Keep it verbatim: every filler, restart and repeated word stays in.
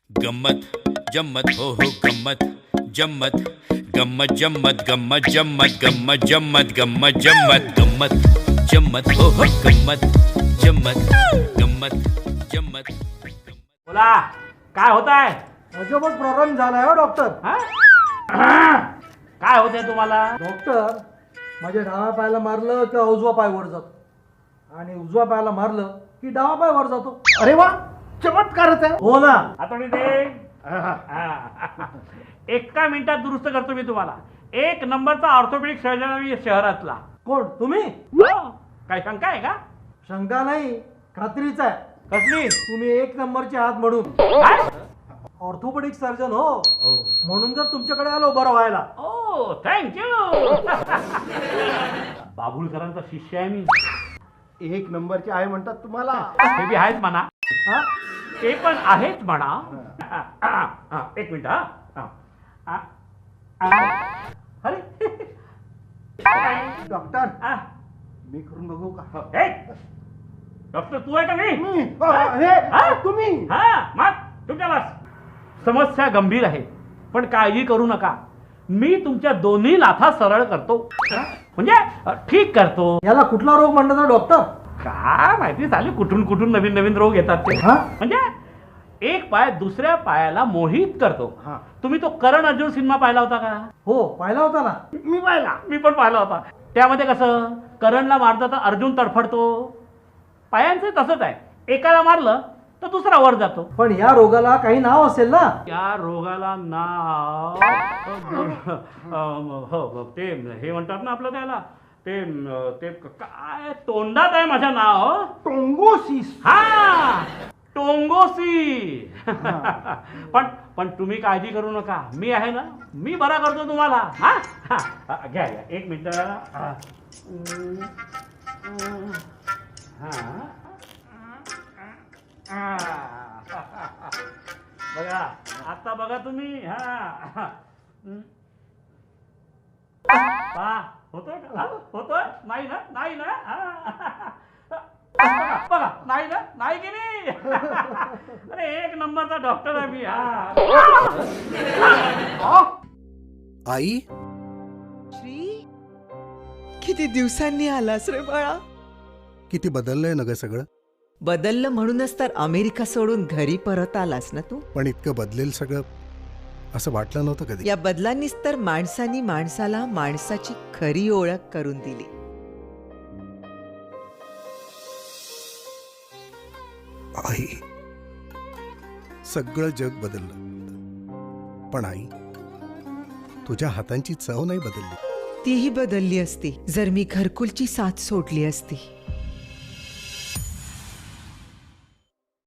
गम्मत जम्मत हो हो गम्मत जम्मत गम्मत जम्मत गम्मत जम्मत गम्मत जम्मत गम्मत जम्मत गम्मत जम्मत हो हो गम्मत जम्मत गम्मत जम्मत. बोला काय होत आहे? अजबच प्रॉब्लेम झालाय हो डॉक्टर. काय होतंय तुम्हाला? डॉक्टर, माझ्या डाव्या पायाला मारलं की उजवा पाय वर जातो आणि उजवा पायाला मारलं की डावा पाय वर जातो. अरे वा, चमत्कारच आहे. हो ना. हातोडी दे. एका मिनिटात दुरुस्त करतो मी तुम्हाला. एक नंबरचा ऑर्थोपेडिक सर्जन मी शहरातला. कोण तुम्ही? हो. काय शंका आहे का? शंका नाही, खात्रीच आहे. कसली? तुम्ही एक नंबरचे आहात म्हणून. काय? ऑर्थोपेडिक सर्जन हो, म्हणून जर तुमच्याकडे आलो बरं व्हायला. ओ थँक्यू. बाबुलकरांचा शिष्य आहे मी. एक नंबरचे आहे म्हणतात तुम्हाला. हे बी आहेच म्हणा. हा? ते पण आहेच म्हणा. हा, एक मिनिट. हा हा. अरे डॉक्टर, हा. मी करून बघू का? ए, डॉक्टर तू आहे का मी? मी? अ, हे तुम्ही? हा मग तुमच्या बस. समस्या गंभीर आहे पण काळजी करू नका. मी तुमच्या दोन्ही नाथा सरळ करतो, म्हणजे अ, ठीक करतो. याला कुठला रोग म्हणतात डॉक्टर? काय माहिती झाली कुठून कुठून नवीन नवीन रोग येतात ते. हा? म्हणजे एक पाय दुसऱ्या पायाला मोहित करतो. हा. तुम्ही तो करण अर्जुन सिनेमा पाहिला होता का? हो, पाहिला होता ना. मी पाहिला. मी पण पाहिला होता. त्यामध्ये कसं करणला मारतं तर अर्जुन तडफडतो. पायांचं तसंच आहे. एकाला मारलं तर दुसरा वर जातो. पण या रोगाला काही नाव असेल ना? या रोगाला नाव हो ते हे म्हणतात ना आपलं त्याला ते ते काय तोंडात आहे माझ्या नाव. टोंगोसिस. हा टोंगोसी. पण पण तुम्ही काळजी करू नका, मी आहे ना, मी बरा करतो तुम्हाला. हा हा घ्या घ्या एक मिनिट. हा बघा आता बघा तुम्ही. हा पहा होतोय का? होतोय? नाही ना? नाही ना? बघा बघा नाही ना? नाही की नाही? अरे एक नंबरचा डॉक्टर आहे मी. हा आई, श्री, किती दिवसांनी आलास रे बाळा. किती बदललंय ना ग सगळं. बदललं म्हणूनच तर अमेरिका सोडून घरी परत आलास ना तू. पण इतकं बदलेल सगळं असं वाटलं नव्हतं कधी. या बदलांनीच तर माणसानी माणसाला माणसाची खरी ओळख करून दिली. आई, सगळं जग बदललं पण आई, तुझ्या हातांची चव नाही बदलली. तीही बदलली असती जर मी घरकुलची साथ सोडली असती.